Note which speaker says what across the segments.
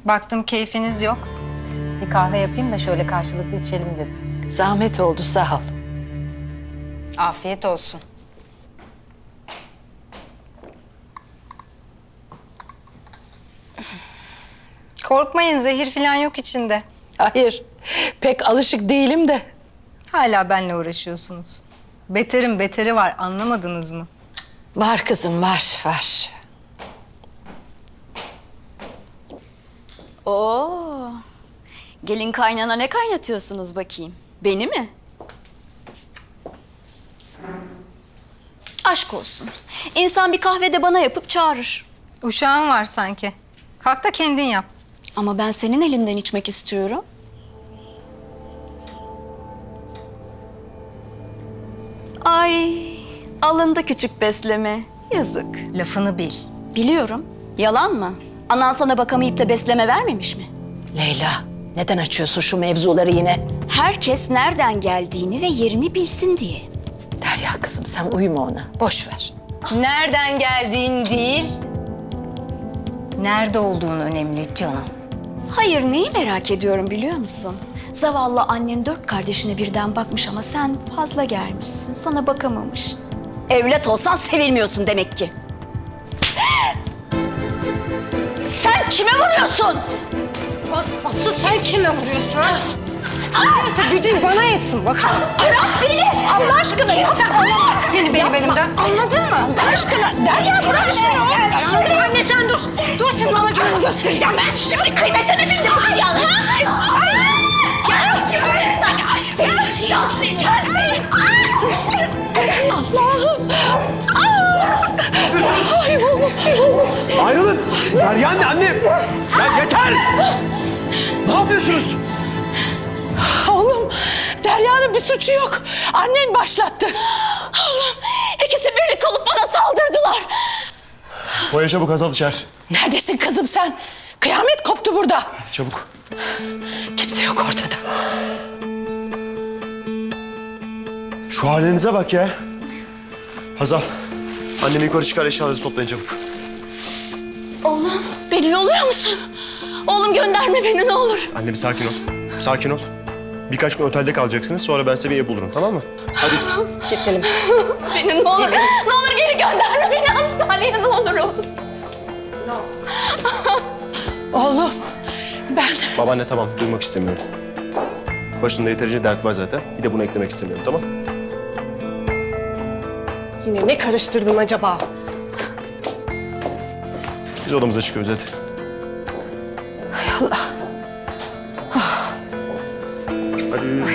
Speaker 1: Baktım keyfiniz yok. Bir kahve yapayım da şöyle karşılıklı içelim dedim.
Speaker 2: Zahmet oldu, sağ ol.
Speaker 1: Afiyet olsun. Korkmayın, zehir falan yok içinde.
Speaker 2: Hayır, pek alışık değilim de.
Speaker 1: Hala benimle uğraşıyorsunuz. Beterin beteri var, anlamadınız mı?
Speaker 2: Var kızım, var.
Speaker 3: Oo. Gelin kaynana ne kaynatıyorsunuz bakayım? Beni mi? Aşk olsun. İnsan bir kahvede bana yapıp çağırır.
Speaker 1: Uşağın var sanki. Kalk da kendin yap.
Speaker 3: Ama ben senin elinden içmek istiyorum. Ay, alındı küçük besleme. Yazık.
Speaker 1: Lafını bil.
Speaker 3: Biliyorum. Yalan mı? Anan sana bakamayıp da besleme vermemiş mi?
Speaker 2: Leyla, neden açıyorsun şu mevzuları yine?
Speaker 3: Herkes nereden geldiğini ve yerini bilsin diye.
Speaker 2: Derya kızım, sen uyuma ona, boş ver.
Speaker 1: Nereden geldiğin değil, nerede olduğun önemli canım.
Speaker 3: Hayır, neyi merak ediyorum biliyor musun? Zavallı annen 4 kardeşine birden bakmış ama sen fazla gelmişsin. Sana bakamamış. Evlat olsan sevilmiyorsun demek ki. Sen kime vuruyorsun?
Speaker 1: Asıl sen kime vuruyorsun ha? Neyse gücün bana yetsin bakalım.
Speaker 3: Bırak beni! Allah aşkına ya!
Speaker 1: Sen alamazsın seni benim elimden. Anladın mı?
Speaker 3: Allah aşkına! Derya bırak şunu!
Speaker 1: Şimdi anne sen dur. Dur şimdi bana günümü göstereceğim ben.
Speaker 3: Şimdi kıymetimi bildim bu cihan, ha? Ya sensin! Allah'ım! Ay oğlum!
Speaker 4: Ayrılın! Derya anne! Ya yeter! Ne yapıyorsunuz?
Speaker 2: Oğlum, Derya'nın bir suçu yok. Annen başlattı.
Speaker 3: Oğlum! İkisi birlik olup bana saldırdılar.
Speaker 4: Boya çabuk Hazal dışarı.
Speaker 2: Neredesin kızım sen? Kıyamet koptu burada.
Speaker 4: Çabuk.
Speaker 2: Kimse yok ortada.
Speaker 4: Şu halinize bak ya. Hazal, annemi yukarı çıkar, eşyalarınızı toplayın çabuk.
Speaker 3: Oğlum, beni yolluyor musun? Oğlum gönderme beni ne olur.
Speaker 4: Anne bir sakin ol. Sakin ol. Birkaç gün otelde kalacaksınız, sonra ben size bir ev bulurum, tamam mı? Hadi.
Speaker 2: Gidelim.
Speaker 3: Beni ne olur, ne olur geri gönderme beni hastaneye ne olur oğlum.
Speaker 2: Oğlum, ben...
Speaker 4: Babaanne tamam, duymak istemiyorum. Başında yeterince dert var zaten. Bir de bunu eklemek istemiyorum, tamam?
Speaker 5: Yine ne karıştırdın acaba?
Speaker 4: Biz odamıza çıkıyoruz hadi.
Speaker 2: Hay Allah.
Speaker 4: Hadi.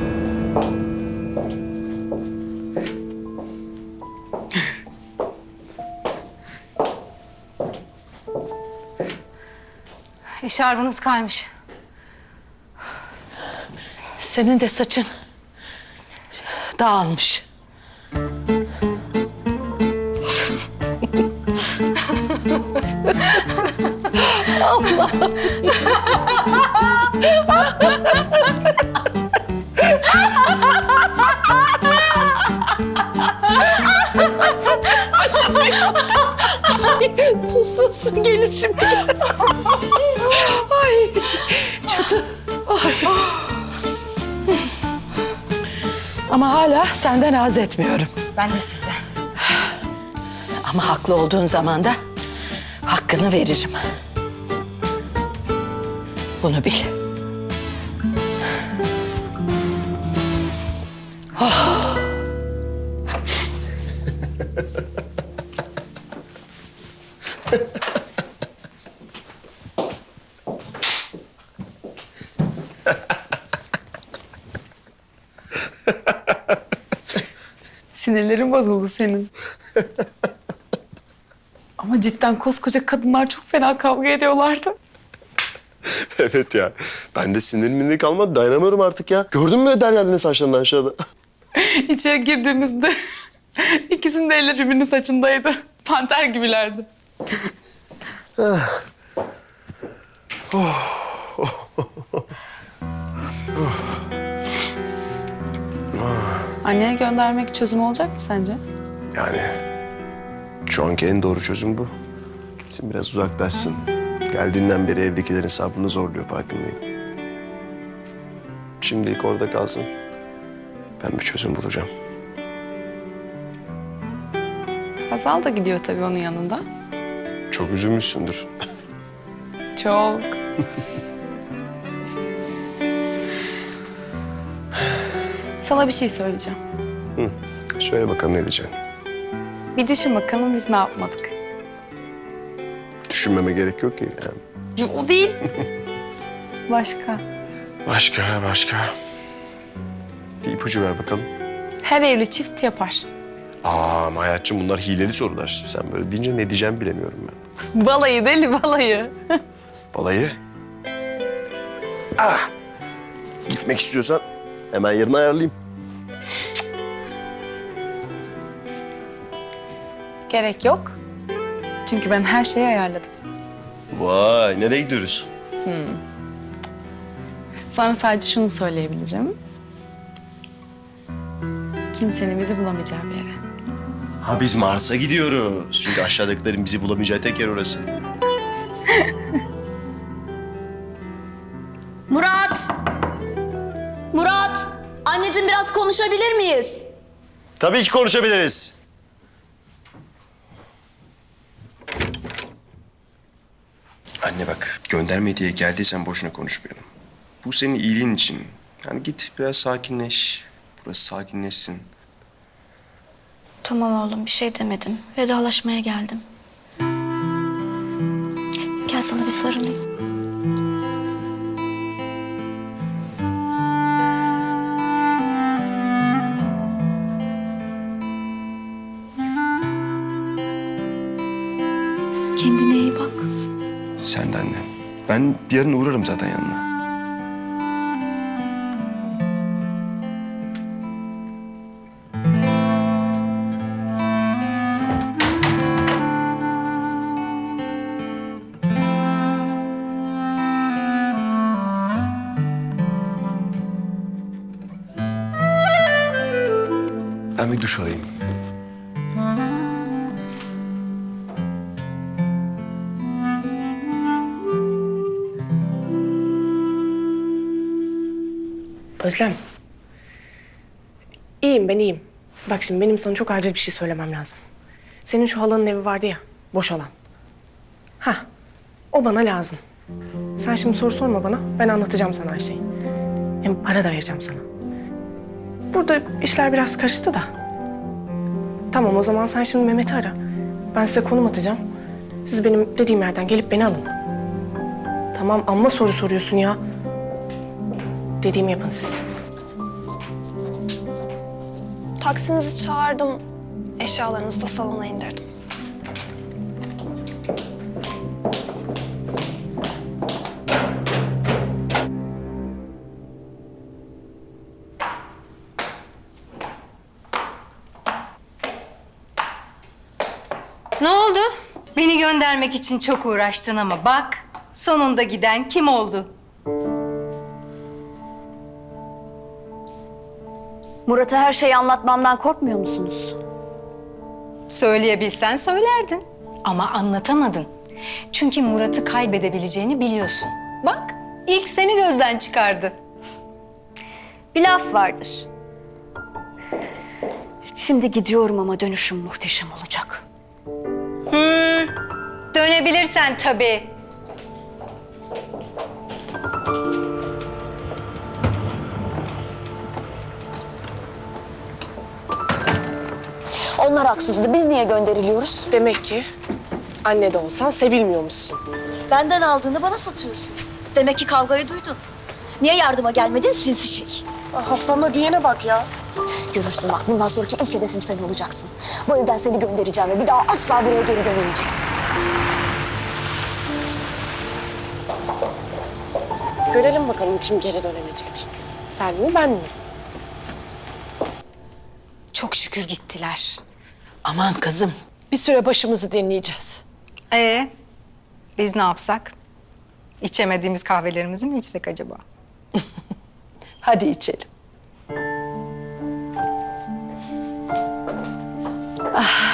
Speaker 1: Eşarbınız kaymış.
Speaker 2: Senin de saçın dağılmış. Sus gelir şimdi. Ay çatı. Ay. Ama hala senden haz etmiyorum.
Speaker 1: Ben de sizden.
Speaker 2: Ama haklı olduğun zaman da hakkını veririm. Bunu bil.
Speaker 5: Sinirlerin bozuldu senin. Ama cidden koskoca kadınlar çok fena kavga ediyorlardı.
Speaker 4: Evet ya. Ben de sinir kalmadı. Dayanamıyorum artık ya. Gördün mü Derya'nın saçlarını aşağıda?
Speaker 5: İçeri girdiğimizde ikisinin de elleri birbirinin saçındaydı. Panter gibilerdi. Anneye göndermek çözüm olacak mı sence?
Speaker 4: Yani şu anki en doğru çözüm bu. Gitsin biraz uzaklaşsın. Geldiğinden beri evdekilerin sabrını zorluyor, farkındayım. Şimdilik orada kalsın. Ben bir çözüm bulacağım.
Speaker 5: Hazal da gidiyor tabii onun yanında.
Speaker 4: Çok üzülmüşsündür.
Speaker 5: Çok. Sana bir şey söyleyeceğim.
Speaker 4: Söyle bakalım ne diyeceksin?
Speaker 5: Bir düşün bakalım biz ne yapmadık.
Speaker 4: Düşünmeme gerek yok ki yani.
Speaker 5: O değil. Başka.
Speaker 4: Başka. Bir ipucu ver bakalım.
Speaker 5: Her evli çift yapar.
Speaker 4: Ama hayatçım bunlar hileli sorular. Sen böyle deyince ne diyeceğimi bilemiyorum ben.
Speaker 5: Balayı deli balayı.
Speaker 4: Balayı? Gitmek istiyorsan hemen yarın ayarlayayım.
Speaker 5: Gerek yok. Çünkü ben her şeyi ayarladım.
Speaker 4: Vay, nereye gidiyoruz?
Speaker 5: Sana sadece şunu söyleyebilirim. Kimsenin bizi bulamayacağı bir yere.
Speaker 4: Ha biz Mars'a gidiyoruz. Çünkü aşağıdakilerin bizi bulamayacağı tek yer orası.
Speaker 3: Murat! Murat! Anneciğim biraz konuşabilir miyiz?
Speaker 4: Tabii ki konuşabiliriz. Anne bak, gönderme diye geldiysen boşuna konuşmayalım. Bu senin iyiliğin için. Yani git biraz sakinleş. Burası sakinleşsin.
Speaker 3: Tamam oğlum bir şey demedim. Vedalaşmaya geldim. Gel sana bir sarılayım. Kendine iyi bak.
Speaker 4: Sen de anne. Ben yarın uğrarım zaten yanına. Ben bir duş alayım.
Speaker 6: Özlem. İyiyim ben iyiyim. Bak şimdi benim sana çok acil bir şey söylemem lazım. Senin şu halanın evi vardı ya, boş olan. Hah, o bana lazım. Sen şimdi soru sorma bana, ben anlatacağım sana her şeyi. Hem para da vereceğim sana. Burada işler biraz karıştı da. Tamam o zaman sen şimdi Mehmet'i ara. Ben size konum atacağım. Siz benim dediğim yerden gelip beni alın. Tamam amma soru soruyorsun ya. Dediğimi yapın siz.
Speaker 1: Taksinizi çağırdım. Eşyalarınızı da salona indirdim.
Speaker 7: Ne oldu? Beni göndermek için çok uğraştın ama bak sonunda giden kim oldu?
Speaker 3: Murat'a her şeyi anlatmamdan korkmuyor musunuz?
Speaker 7: Söyleyebilsen söylerdin ama anlatamadın. Çünkü Murat'ı kaybedebileceğini biliyorsun. Bak ilk seni gözden çıkardı.
Speaker 3: Bir laf vardır. Şimdi gidiyorum ama dönüşüm muhteşem olacak.
Speaker 7: Dönebilirsen tabii.
Speaker 3: Onlar haksızdı. Biz niye gönderiliyoruz?
Speaker 6: Demek ki anne de olsan sevilmiyormuşsun.
Speaker 3: Benden aldığını bana satıyorsun. Demek ki kavgayı duydun. Niye yardıma gelmedin sinsi şey?
Speaker 6: Haftamda diyene bak ya.
Speaker 3: Görürsün bak bundan sonraki ilk hedefim sen olacaksın. Bu evden seni göndereceğim ve bir daha asla buraya geri dönemeyeceksin.
Speaker 6: Görelim bakalım kim geri dönemeyecek. Sen mi ben mi?
Speaker 7: Çok şükür gittiler.
Speaker 2: Aman kızım, bir süre başımızı dinleyeceğiz.
Speaker 7: Biz ne yapsak? İçemediğimiz kahvelerimizi mi içsek acaba?
Speaker 2: Hadi içelim. Ah.